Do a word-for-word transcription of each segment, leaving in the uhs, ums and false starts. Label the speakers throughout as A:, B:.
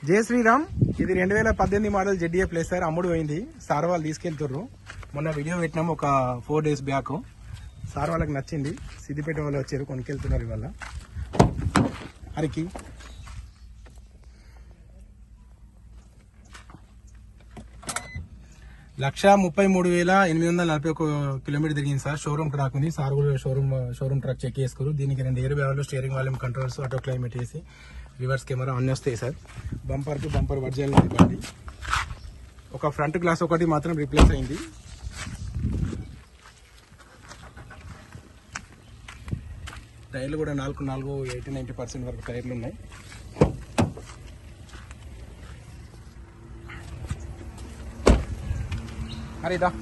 A: జై శ్రీరామ్. ఇది రెండు వేల పద్దెనిమిది మోడల్ జెడ్డీఏ ప్లేస్ సార్. అమ్ముడు పోయింది. సార్ వాళ్ళు తీసుకెళ్తుర్రు. మొన్న వీడియో పెట్టినాము ఒక ఫోర్ డేస్ బ్యాక్. సార్ వాళ్ళకి నచ్చింది. సిద్దిపేట వాళ్ళు వచ్చారు, కొనుకెళ్తున్నారు ఇవాళ. అరికి లక్ష ముప్పై మూడు వేల ఎనిమిది వందల నలభై ఒక కిలోమీటర్ తిరిగింది సార్. షోరూమ్ ట్రాక్ ఉంది. సార్ కూడా షోరూమ్ షోరూమ్ ట్రాక్ చెక్ చేసుకోరు. దీనికి రెండు ఎయిర్ బ్యాగులు, steering volume controls, auto climate వేసి రివర్స్ కెమెరా అన్నీ వస్తాయి సార్. బంపర్ టు బంపర్ వర్జల్ బండి. ఒక ఫ్రంట్ గ్లాస్ ఒకటి మాత్రం రీప్లేస్ అయింది. టైర్లు కూడా నాలుగు నాలుగు ఎయిటీ నైంటీ పర్సెంట్ వరకు టైర్లు ఉన్నాయి. అరే ఇదా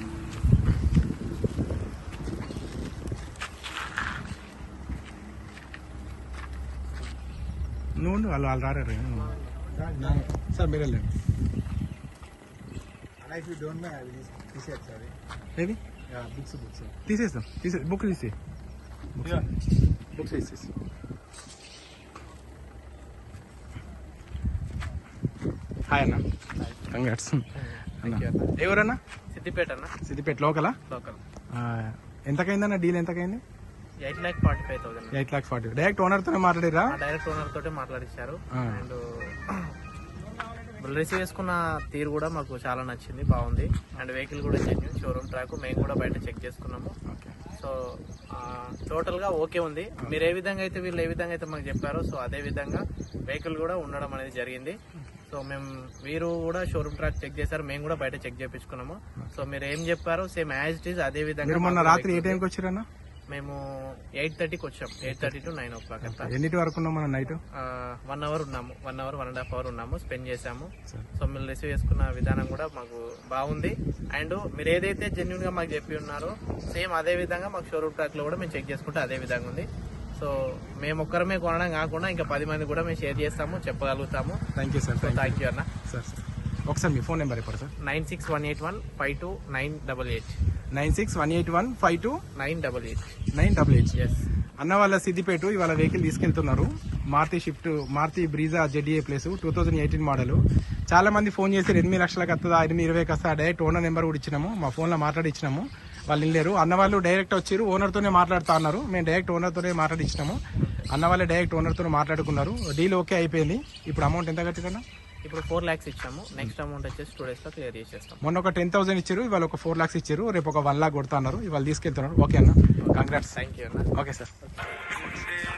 A: నువ్వు వాళ్ళు వాళ్ళు రారు సార్. మీరు వెళ్ళండి. ఏది బుక్స్ బుక్స్ తీసేస్తాం. తీసే బుక్ తీసే బుక్స్ తీసేసి. హాయ్ అన్న, కంగ్రాట్స్ అన్న. ఎవరన్నా?
B: సిద్దిపేట అన్న.
A: సిద్దిపేట లోకలా?
B: లోకల్.
A: ఎంతకైందన్న డీల్? ఎంతకైంది?
B: Eight lakh forty five thousand.
A: Eight lakh forty. Direct owner తోనే మాట్లాడిరా?
B: డైరెక్ట్ ఓనర్ తోటే మాట్లాడిచ్చారు. అండ్ రిసీవ్ చేసుకున్న తీరు కూడా మాకు చాలా నచ్చింది, బాగుంది. అండ్ వెహికల్ కూడా జెన్యూన్, షోరూమ్ ట్రాక్. మేము కూడా బయట చెక్ చేసుకున్నాము. సో టోటల్ గా ఓకే ఉంది. మీరు ఏ విధంగా అయితే వీళ్ళు ఏ విధంగా అయితే మాకు చెప్పారో సో అదే విధంగా వెహికల్ కూడా ఉండడం అనేది జరిగింది. సో మేము వీరు కూడా షోరూమ్ ట్రాక్ చెక్ చేశారు, మేము కూడా బయట చెక్ చేయించుకున్నాము. సో మీరు ఏం చెప్పారో సేమ్ యాజ్ ఇట్ ఈస్ అదే విధంగా.
A: మొన్న రాత్రి ఏ టైంకి వచ్చారన్నా?
B: మేము ఎయిట్ థర్టీకి వచ్చాం. Eight thirty to nine o'clock అంతా.
A: ఎన్నిటి వరకు ఉన్నాం మనం? నైట్
B: వన్ అవర్ ఉన్నాము. One hour one and half hour ఉన్నాము, స్పెండ్ చేసాము. సో మీరు రిసీవ్ చేసుకున్న విధానం కూడా మాకు బాగుంది. అండ్ మీరు ఏదైతే జెన్యున్ గా మాకు చెప్పి ఉన్నారో సేమ్ అదే విధంగా మాకు షోరూమ్ ట్రాక్ లో కూడా మేము చెక్ చేసుకుంటే అదే విధంగా ఉంది. సో మేము ఒక్కరమే కొనడం కాకుండా ఇంకా పది మంది కూడా మేము షేర్ చేస్తాము, చెప్పగలుగుతాము.
A: Thank you sir.
B: Thank you అన్న.
A: సార్ సార్ ఒకసారి మీ ఫోన్ నెంబర్ ఇవ్వండి sir.
B: Nine six one eight one five two nine double eight
A: nine six one eight one five two
B: nine double eight
A: nine double eight
B: yes.
A: అన్న వాళ్ళ సిద్దిపేట ఇవాళ vehicle తీసుకెళ్తున్నారు. Maruti Swift, Maruti Brezza ZDA plus, two thousand eighteen model. చాలా మంది phone చేసి ఎనిమిది లక్షలకు వస్తుందా, ఎనిమిది ఇరవైకి వస్తా, డైరెక్ట్ ఓనర్ నెంబర్ కూడా ఇచ్చినాము. మా ఫోన్లో మాట్లాడి ఇచ్చినాము. వాళ్ళు వెళ్ళారు. అన్న వాళ్ళు డైరెక్ట్ వచ్చారు, ఓనర్తోనే మాట్లాడుతా అన్నారు. మేము డైరెక్ట్ ఓనర్తోనే మాట్లాడి ఇచ్చినాము. అన్న వాళ్ళే డైరెక్ట్ ఓనర్తో మాట్లాడుకున్నారు. డీల్ ఓకే అయిపోయింది. ఇప్పుడు అమౌంట్ ఎంత కట్టిరన్నా?
B: ఇప్పుడు ఫోర్ లాక్స్ ఇచ్చాము. నెక్స్ట్ అమౌంట్ వచ్చేసి టూ డేస్ లో క్లియర్ చేసేస్తాం.
A: మొన్న ఒక టెన్ థౌసండ్ ఇచ్చారు, ఇవాళ ఒక ఫోర్ లాక్స్ ఇచ్చారు. రేపు ఒక వన్ లాక్ కొడతా అన్నారు. ఇవాళ తీసుకెళ్తున్నారు. ఓకే అన్న, కంగ్రాట్స్.
B: థ్యాంక్ యూ అన్న.
A: Okay sir.